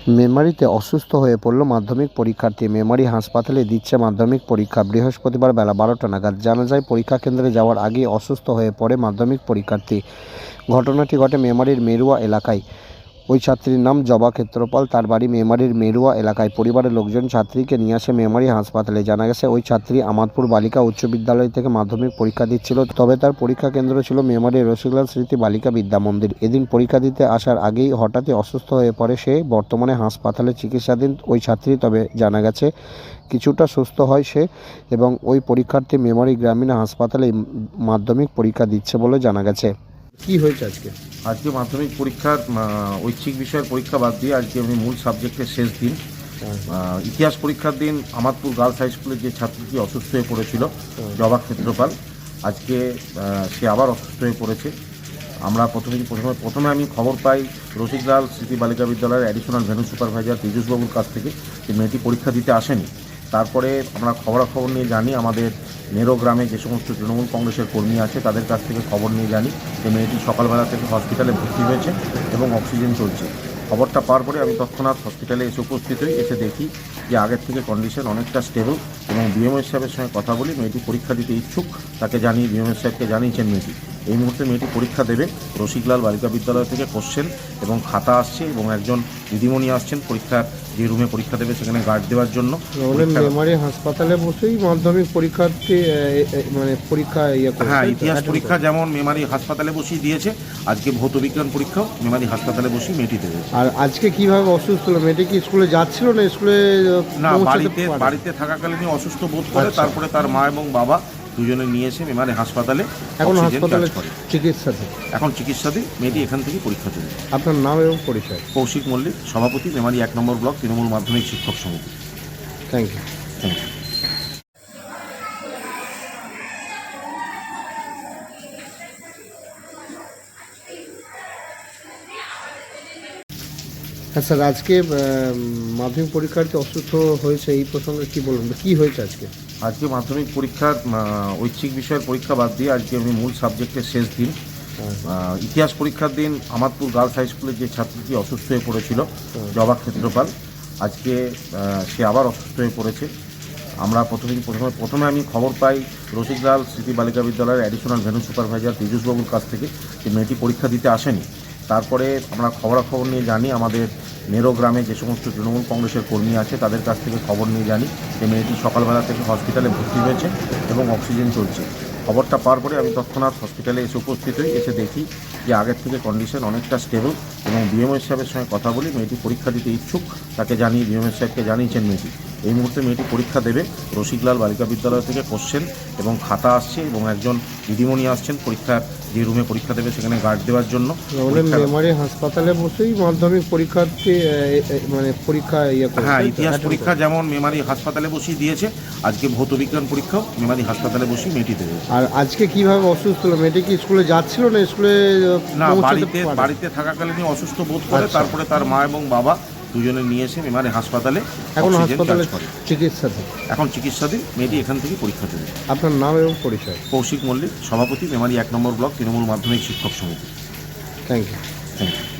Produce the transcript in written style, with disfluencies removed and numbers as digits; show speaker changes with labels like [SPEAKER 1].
[SPEAKER 1] মেমারিতে অসুস্থ হয়ে পড়ল মাধ্যমিক পরীক্ষার্থী। মেমারি হাসপাতালে দিচ্ছে মাধ্যমিক পরীক্ষা। বৃহস্পতিবার বেলা 12টা নাগাদ জানা যায়, পরীক্ষা কেন্দ্রে যাওয়ার আগেই অসুস্থ হয়ে পড়ে মাধ্যমিক পরীক্ষার্থী। ঘটনাটি ঘটে মেমারির মেরুয়া এলাকায়। ওই ছাত্রীর নাম জবা ক্ষেত্রপাল, তার বাড়ি মেমারির মেরুয়া এলাকায়। পরিবারের লোকজন ছাত্রীকে নিয়ে আসে মেমারি হাসপাতালে। জানা গেছে, ওই ছাত্রী আমাদপুর বালিকা উচ্চ বিদ্যালয় থেকে মাধ্যমিক পরীক্ষা দিচ্ছিল, তবে তার পরীক্ষা কেন্দ্র ছিল মেমারির রসিকলাল স্মৃতি বালিকা বিদ্যা মন্দির। এদিন পরীক্ষা দিতে আসার আগেই হঠাৎই অসুস্থ হয়ে পড়ে সে। বর্তমানে হাসপাতালে চিকিৎসাধীন ওই ছাত্রী, তবে জানা গেছে কিছুটা সুস্থ হয় সে এবং ওই পরীক্ষার্থী মেমারি গ্রামীণ হাসপাতালে মাধ্যমিক পরীক্ষা দিচ্ছে বলে জানা গেছে। কি হয়েছে আজকে?
[SPEAKER 2] আজকে মাধ্যমিক পরীক্ষার ঐচ্ছিক বিষয়ের পরীক্ষা বাদ দিয়ে আজকে আমি মূল সাবজেক্টের শেষ দিন। ইতিহাস পরীক্ষার দিন আমাদপুর গার্লস হাই স্কুলের যে ছাত্রীটি অসুস্থ হয়ে পড়েছিল, জবা ক্ষেত্রপাল, আজকে সে আবার অসুস্থ হয়ে পড়েছে। আমরা প্রথমে আমি খবর পাই রসিকলাল স্মৃতি বালিকা বিদ্যালয়ের অ্যাডিশনাল ভেন্যু সুপারভাইজার পীযূষবাবুর কাছ থেকে যে মেয়েটি পরীক্ষা দিতে আসেনি। তারপরে আমরা খবরাখবর নিয়ে জানি, আমাদের নেরো গ্রামে যে সমস্ত তৃণমূল কংগ্রেসের কর্মী আছে তাদের কাছ থেকে খবর নিয়ে জানি যে মেয়েটি সকালবেলা থেকে হসপিটালে ভর্তি হয়েছে এবং অক্সিজেন চলছে। খবরটা পাওয়ার পরে আমি তৎক্ষণাৎ হসপিটালে এসে উপস্থিত হই। এসে দেখি যে আগের থেকে কন্ডিশন অনেকটা স্টেবল এবং বিএমএস সাহেবের সঙ্গে কথা বলি। মেয়েটি পরীক্ষা দিতে ইচ্ছুক, তাকে জানিয়ে বিএমএস সাহেবকে জানিয়েছেন মেয়েটি। এই মুহূর্তে মেয়েটি পরীক্ষা দেবে। রসিকলাল বালিকা বিদ্যালয় থেকে কোশ্চেন এবং খাতা আসছে এবং একজন দিদিমণি আসছেন পরীক্ষার যে রুমে পরীক্ষা দেবে সেখানে গার্ড দেওয়ার জন্য।
[SPEAKER 1] মেমারি হাসপাতালে বসেই মাধ্যমিক পরীক্ষার্থী পরীক্ষা
[SPEAKER 2] হ্যাঁ, ইতিহাস পরীক্ষা যেমন মেমারি হাসপাতালে বসেই দিয়েছে, আজকে ভৌত বিজ্ঞান পরীক্ষাও মেমারি হাসপাতালে বসেই মেয়েটি দেবে।
[SPEAKER 1] আর আজকে কিভাবে অসুস্থ হলো মেয়েটি? কি স্কুলে যাচ্ছিল না স্কুলে?
[SPEAKER 2] না, বাড়িতে থাকাকালীনই অসুস্থ বোধ করে। তারপরে তার মা এবং বাবা দুজনে নিয়ে এসে মেমারি হাসপাতালে চিকিৎসাধীন। মেয়েটি এখান থেকে পরীক্ষা দেবে।
[SPEAKER 1] আপনার নাম এবং পরিচয়?
[SPEAKER 2] কৌশিক মল্লিক, সভাপতি, মেমারি 1 নম্বর ব্লক তৃণমূল মাধ্যমিক শিক্ষক সমিতি।
[SPEAKER 1] Thank you. হ্যাঁ স্যার, আজকে মাধ্যমিক পরীক্ষার্থী অসুস্থ হয়েছে, এই প্রসঙ্গে কি বলবেন? কি হয়েছে আজকে?
[SPEAKER 2] আজকে মাধ্যমিক পরীক্ষার ঐচ্ছিক বিষয়ের পরীক্ষা বাদ দিয়ে আজকে আমি মূল সাবজেক্টের শেষ দিন। ইতিহাস পরীক্ষার দিন আমাদপুর গার্লস হাই স্কুলের যে ছাত্রীটি অসুস্থ হয়ে পড়েছিল, জবা ক্ষেত্রপাল, আজকে সে আবার অসুস্থ হয়ে পড়েছে। আমরা প্রথমে আমি খবর পাই রসিকলাল স্মৃতি বালিকা বিদ্যালয়ের অ্যাডিশনাল ভেন্যু সুপারভাইজার পীযূষবাবুর কাছ থেকে যে মেয়েটি পরীক্ষা দিতে আসেনি। তারপরে আমরা খবরাখবর নিয়ে জানি, আমাদের নেরো গ্রামে যে সমস্ত তৃণমূল কংগ্রেসের কর্মী আছে তাদের কাছ থেকে খবর নিয়ে জানি যে মেয়েটি সকালবেলা থেকে হসপিটালে ভর্তি হয়েছে এবং অক্সিজেন চলছে। খবরটা পাওয়ার পরে আমি তৎক্ষণাৎ হসপিটালে এসে উপস্থিত হই। এসে দেখি যে আগের থেকে কন্ডিশন অনেকটা স্টেবল এবং বিএমএস সাহেবের সঙ্গে কথা বলি। মেয়েটি পরীক্ষা দিতে ইচ্ছুক, তাকে জানিয়ে বিএমএস সাহেবকে জানিয়েছেন মেয়েটি। এই মুহূর্তে মেয়েটি পরীক্ষা দেবে। রসিকলাল বালিকা বিদ্যালয় থেকে কোশ্চেন এবং খাতা আসছে এবং একজন দিদিমণি আসছেন পরীক্ষার যে রুমে পরীক্ষা দেবে সেখানে গার্ড দেওয়ার জন্য।
[SPEAKER 1] মেমারি হাসপাতালে বসেই মাধ্যমিক পরীক্ষার্থী পরীক্ষা
[SPEAKER 2] হ্যাঁ, ইতিহাস পরীক্ষা যেমন মেমারি হাসপাতালে বসেই দিয়েছে, আজকে ভৌত বিজ্ঞান পরীক্ষাও মেমারি হাসপাতালে বসেই মেয়েটি দেবে।
[SPEAKER 1] আর আজকে কিভাবে অসুস্থ হলো মেয়েটি? কি স্কুলে যাচ্ছিল না স্কুলে?
[SPEAKER 2] না, বাড়িতে থাকাকালীনই অসুস্থ বোধ করে। তারপরে তার মা এবং বাবা দুজনে নিয়ে এসে মেমারি হাসপাতালে চিকিৎসাধীন। মেয়েটি এখান থেকে পরীক্ষা দেবে।
[SPEAKER 1] আপনার নাম এবং পরিচয়?
[SPEAKER 2] কৌশিক মল্লিক, সভাপতি, মেমারি 1 নম্বর ব্লক তৃণমূল মাধ্যমিক শিক্ষক সমিতি।
[SPEAKER 1] Thank you.